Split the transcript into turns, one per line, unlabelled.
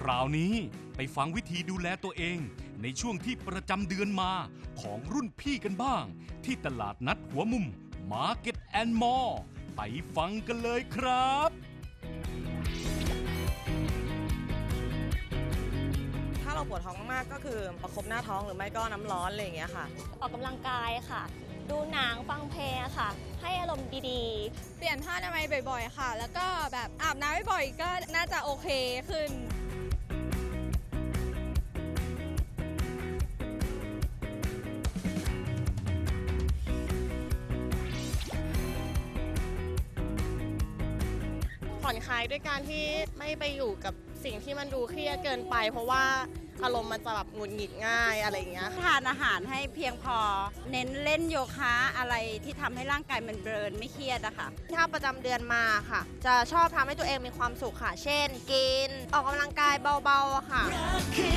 ราวนี้ไปฟังวิธีดูแลตัวเองในช่วงที่ประจำเดือนมาของรุ่นพี่กันบ้าง ที่ตลาดนัดหัวมุม Market and More ไปฟังกันเลยครับ
ถ้าเราปวดท้องมากๆก็คือประคบหน้าท้องหรือไม่ก็น้ำร้อนอะไรอย่างเงี้ยค่ะ
ออกกำลังกายค่ะ ดูหนังฟังเพลงค่ะ ให้อารมณ์ดีๆ
เปลี่ยนผ้าอนามัยบ่อยๆค่ะ แล้วก็แบบอาบน้ำบ่อยๆก็น่าจะโอเคขึ้น
ผ่อนคลายด้วยการที่ไม่ไปอยู่กับสิ่งที่มันดูเครียดเกินไป เพราะว่าอารมณ์มันจะแบบหงุดหงิดง่ายอะไรอย่างเงี้ย
ทานอาหารให้เพียงพอ เน้นเล่นโยคะอะไรที่ทำให้ร่างกายมันเบิร์นไม่เครียดอะค่ะ
ถ้าประจำเดือนมาค่ะ จะชอบทำให้ตัวเองมีความสุขค่ะ เช่น กินออกกำลังกายเบาๆอะค่ะ
รักคือ